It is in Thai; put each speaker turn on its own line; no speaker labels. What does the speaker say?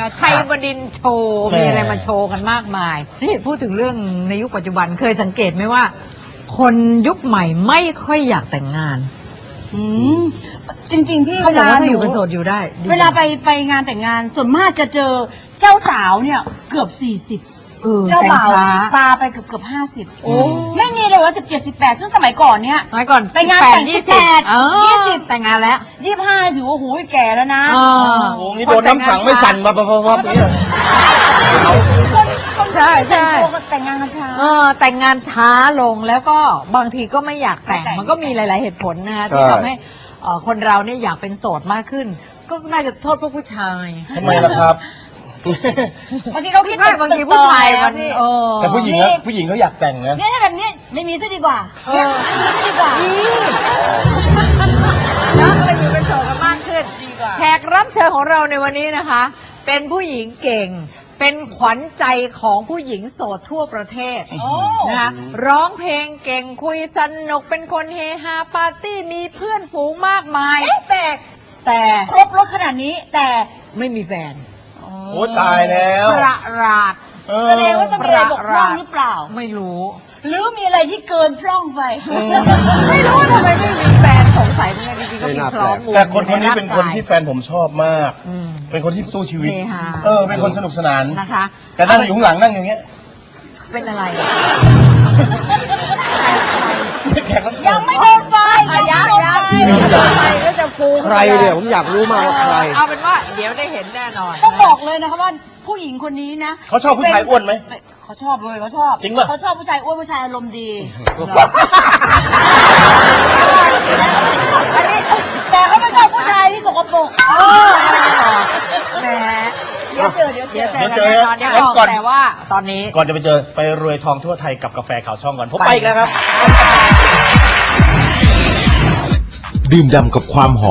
นะคะชัยบดินทร์โชว์มีอะไรมาโชว์กันมากมายนี่พูดถึงเรื่องในยุคปัจจุบันเคยสังเกตไหมว่า คนยุคใหม่ไม่ค่อยอยากแต่งงาน
จริงๆพี่
เขาบอกว่าถ้าอยู่เป็นโสดอยู่ได้
เวลาไปงานแต่งงานส่วนมากจะเจอเจ้าสาวเนี่ยเกือบ40เจ้าบ่าวปาไปเกือบ50ไม่มีเลยว่า17 18ซึ่งสมัยก่อนเนี่ย
สมัยก่อน
ไปงานแต่ง
20แต่งงานแล้ว
25ถือว่าโหแก่แล้วนะ
โอ้นี่โดนน้ำขังไม่สั่นมาเนี่ย
ใช่
แต่งงานกันช้า
แต่งงานช้าลงแล้วก็บางทีก็ไม่อยากแต่งมันก็มีหลายๆเหตุผลนะคะที่ทำให้คนเราเนี่ยอยากเป็นโสดมากขึ้นก็น่าจะโทษพวกผู้ชาย
ทำไมล่ะครับ
บางทีเขาคิด
บางทีผู้ชายมัน
แต่ผู้หญิงเขาอยากแต่งนะ
เนี่ยถ้าแบบนี้ไม่มีซะดีกว่าไม่มีซะดีกว่า
แล้วก็เลยอยู่เป็นโสดกันมากขึ้นแขกรับเชิญของเราในวันนี้นะคะเป็นผู้หญิงเก่งเป็นขวัญใจของผู้หญิงโสดทั่วประเทศนะคะร้องเพลงเก่งคุยสนุกเป็นคนเฮฮาปาร์ตี้มีเพื่อนฝูงมากมายแต่
ครบรถขนาดนี้แต่
ไม่มีแฟน
โอ้ตายแล้ว
ประหลาด
แสดงว่าต้องมีอะไรบกพร่องหรือเปล่า
ไม่รู้
หรือมีอะไรที่เกินพร่องไป
ไม่รู้ทำไมไม่มีแฟนสงสัยเหมือนกันจริงๆก็มีพร้อม
แต่คนนี้เป็นคนที่แฟนผมชอบมากเป็นคนที่สู้ชีวิตเป็นคนสนุกสนาน
นะคะ
แต่นั่งอยู่ข้างหลังนั่งอย่างเงี้ย
เป็นอะไร
ยังไม่โดนไฟ
ยังแล้วจะฟู
ใครเนี่ยผมอยากรู้มากว่าใคร
เอาเป็นว่าเดี๋ยวได้เห็นแน่นอน
ต้องบอกเลยนะคะว่าผู้หญิงคนนี้นะ
เขาชอบผู้ชายอ้วนไหม
เขาชอบเลยเขาชอบ
จริงป่ะ
เขาชอบผู้ชายอ้วนผู้ชายอารมณ์ดีแต่เขาไม่ชอบผู้ชายที่สกปรก
แหม
เดี๋ยวเจอ
ก่อนแต่ว่าตอนนี้
ก่อนจะไปเจอไปรวยทองทั่วไทยกับกาแฟขาวช่องก่อนผมไปอีกแล้วครับ
ดื่มด่ำกับความหอม